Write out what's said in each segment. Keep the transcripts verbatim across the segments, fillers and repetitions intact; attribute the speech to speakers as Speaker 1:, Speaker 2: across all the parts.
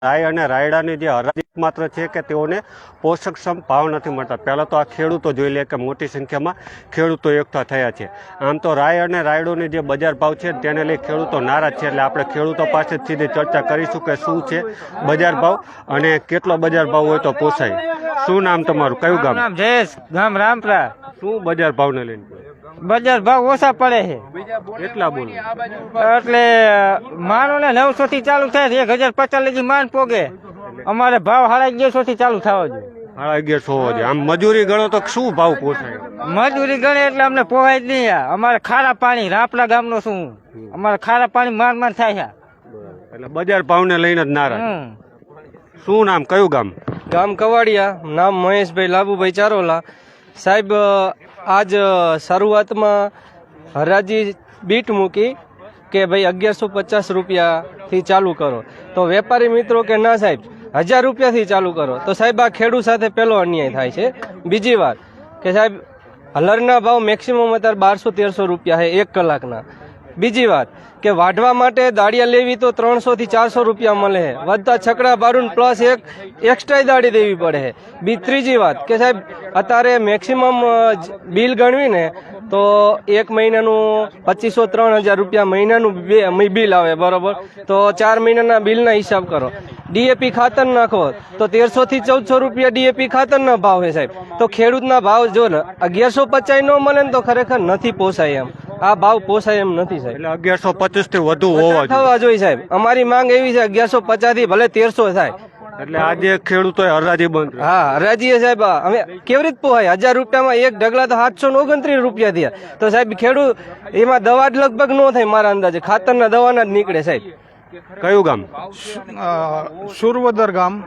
Speaker 1: રાય અને રાયડાની જે હરાજી માત્ર છે કે તેઓને પોષકક્ષમ ભાવ નથી મળતા। પહેલાં તો આ ખેડૂતો જોઈ લે કે મોટી સંખ્યામાં ખેડૂતો એકઠા થયા છે। આમ તો રાય અને રાયડોની જે બજાર ભાવ છે તેને લઈ ખેડૂતો નારાજ છે, એટલે આપણે ખેડૂતો પાસે સીધી ચર્ચા કરીશું કે શું છે બજાર ભાવ અને કેટલો બજાર ભાવ હોય તો પોસાય। શું નામ તમારું, કયું ગામ?
Speaker 2: નામ જયેશ, ગામ રામપરા।
Speaker 1: શું બજાર ભાવને લઈને?
Speaker 2: બજાર ભાવ ઓછા પડે છે
Speaker 1: કેટલા બોલો?
Speaker 2: એટલે માનો ને નવસો થી ચાલુ થાય, એક હજાર પચાસ લગી માન પોગે। અમારે ભાવ સાડા અગિયારસો થી ચાલુ થવા જોઈએ।
Speaker 1: સાડા અગિયારસો હોવો જોઈએ। આમ મજૂરી ગણો તો શું ભાવ પોસાય?
Speaker 2: મજૂરી ગણે એટલે અમને પોહાય જ નહીં। અમારે ખારા પાણી રાપડા ગામનો શું, અમારે ખારા પાણી માર માર થાય છે,
Speaker 1: એટલે બજાર ભાવને લઈને જ નારાજ। શું નામ, કયું ગામ?
Speaker 3: ગામ કવાડિયા, નામ મહેશભાઈ લાભુભાઈ ચારોલા। સાહેબ, આજ શરૂઆતમાં હરાજી બીટ મૂકી કે ભાઈ અગિયારસો પચાસ રૂપિયાથી ચાલુ કરો, તો વેપારી મિત્રો કે ના સાહેબ હજાર રૂપિયાથી ચાલુ કરો। તો સાહેબ આ ખેડૂત સાથે પહેલો અન્યાય થાય છે। બીજી વાત કે સાહેબ હલરના ભાવ મેક્સિમમ અત્યારે બારસો તેરસો રૂપિયા છે એક કલાકના। બીજી વાત કે વાઢવા માટે દાળિયા લેવી તો ત્રણસો થી ચારસો રૂપિયા મળે છે, વધતા છકડા બારું પ્લસ એક એક્સ્ટ્રા દાળી દેવી પડે છે। બી ત્રીજી વાત કે સાહેબ અત્યારે મેક્સિમમ બિલ ગણવીને તો એક મહિનાનું પચીસો ત્રણ હજાર રૂપિયા મહિનાનું બિલ આવે, બરોબર? તો ચાર મહિનાના બિલના હિસાબ કરો। ડીએપી ખાતર નાખો તો તેરસો થી ચૌદસો રૂપિયા ડીએપી ખાતરના ભાવ છે સાહેબ। તો ખેડૂતના ભાવ જો ને અગિયારસો પચાસ ન મળે ને તો ખરેખર નથી પોસાય એમ। આ ભાવ પોસાય એમ નથી સાહેબ,
Speaker 1: એટલે અગિયારસો પચીસ થી વધુ હોવા
Speaker 3: થવા જોઈએ સાહેબ। અમારી માંગ એવી છે અગિયારસો પચાસ થી ભલે તેરસો થાય।
Speaker 1: એટલે આજે ખેડૂતો હરાજી બંધ?
Speaker 3: હા, હરાજી સાહેબ અમે કેવી રીતે પોહાય? હજાર રૂપિયામાં એક ઢગલા તો સાતસો ઓગણત્રીસ રૂપિયા થયા। તો સાહેબ ખેડૂત એમાં દવા જ લગભગ ન થાય મારા અંદાજે, ખાતરના દવાના જ નીકળે સાહેબ।
Speaker 1: કયું ગામ?
Speaker 4: સુરવદર ગામ।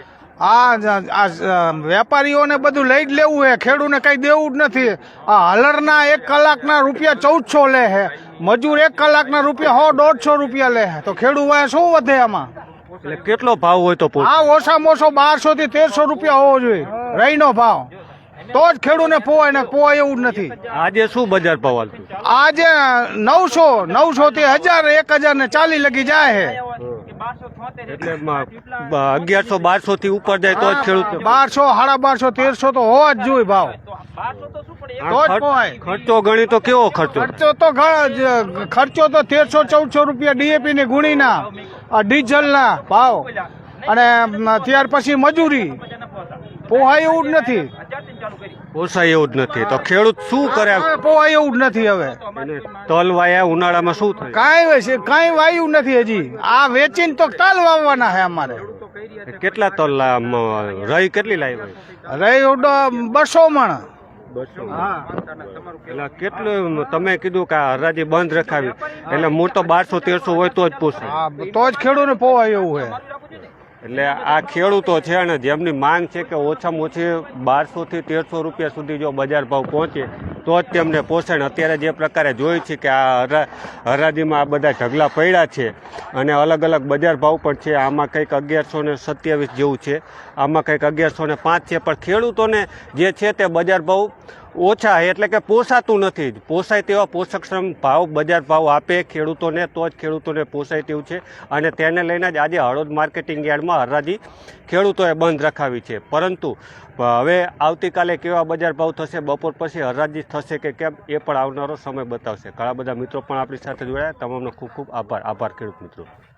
Speaker 4: આ વેપારીઓને બધું લઈ જ લેવું છે, ખેડૂતને કઈ દેવું જ નથી। આ હલરના એક કલાકના રૂપિયા ચૌદસો લે છે, મજૂર એક કલાકના રૂપિયા સો દોઢસો રૂપિયા લે છે, તો ખેડૂત શું વધે આમાં?
Speaker 1: એટલે કેટલો ભાવ હોય તો પોસાય?
Speaker 4: આ ઓછામાં ઓછો બારસો થી તેરસો રૂપિયા હોવો જોઈએ રહીનો ભાવ, તો જ ખેડૂતને પોવાય ને પોવાય એવું જ નથી।
Speaker 1: આજે શું બજાર ભાવ હાલતું?
Speaker 4: આજે નવસો નવસો થી હજાર એક હજાર ને ચાલી લગી જાય છે,
Speaker 1: એટલે અગિયારસો બારસો થી ઉપર જાય તો જ ખેડૂત?
Speaker 4: બારસો સાડા બારસો તેરસો તો હોવા જ જોઈએ ભાવ, તો જ પોવાય।
Speaker 1: ખર્ચો ગણી તો કેવો ખર્ચો?
Speaker 4: ખર્ચો તો ખર્ચો તો તેરસો ચૌદસો રૂપિયા ડીએપી ની ગુણીના, ડીઝલ ના ભાવ અને ત્યાર પછી મજૂરી, પોહાય એવું જ નથી,
Speaker 1: પોસાય એવું જ નથી। તો ખેડૂત શું કરે?
Speaker 4: પોહાય એવું જ નથી। હવે
Speaker 1: તલ વાયા ઉનાળામાં શું થાય?
Speaker 4: કાંઈ છે કાંઈ વાયું નથી હજી। આ વેચીને તો તલ વાવવાના છે અમારે।
Speaker 1: કેટલા તલ રહી કેટલી લાવી?
Speaker 4: રહી બસો મણ।
Speaker 1: એટલે કેટલું તમે કીધું કે હરાજી બંધ રખાવી, એટલે મૂળ તો બારસો તેરસો હોય તો જ પોસાય,
Speaker 4: તો જ ખેડૂતને પોવાય એવું છે।
Speaker 1: એટલે આ ખેડૂતો છે અને જેમની માંગ છે કે ઓછામાં ઓછી બારસો થી તેરસો રૂપિયા સુધી જો બજાર ભાવ પહોંચે તો જ તેમને પોષણ। અત્યારે જે પ્રકારે જોઈ છે કે આ હરા હરાજીમાં આ બધા ઢગલા પડ્યા છે અને અલગ અલગ બજાર ભાવ પણ છે। આમાં કંઈક અગિયારસો ને સત્યાવીસ જેવું છે, આમાં કંઈક અગિયારસો ને પાંચ છે, પણ ખેડૂતોને જે છે તે બજાર ભાવ ઓછા એટલે કે પોસાતું નથી। પોસાય તેવા પોષકક્ષમ ભાવ બજાર ભાવ આપે ખેડૂતોને તો જ ખેડૂતોને પોસાય તેવું છે, અને તેને લઈને જ આજે હળવદ માર્કેટિંગ યાર્ડમાં હરાજી ખેડૂતોએ બંધ રખાવી છે। પરંતુ હવે આવતીકાલે કેવા બજાર ભાવ થશે, બપોર પછી હરાજી થશે કે કેમ, એ પણ આવનારો સમય બતાવશે। ઘણા બધા મિત્રો પણ આપણી સાથે જોડાયા, તમામનો ખૂબ ખૂબ આભાર આભાર ખેડૂત મિત્રો।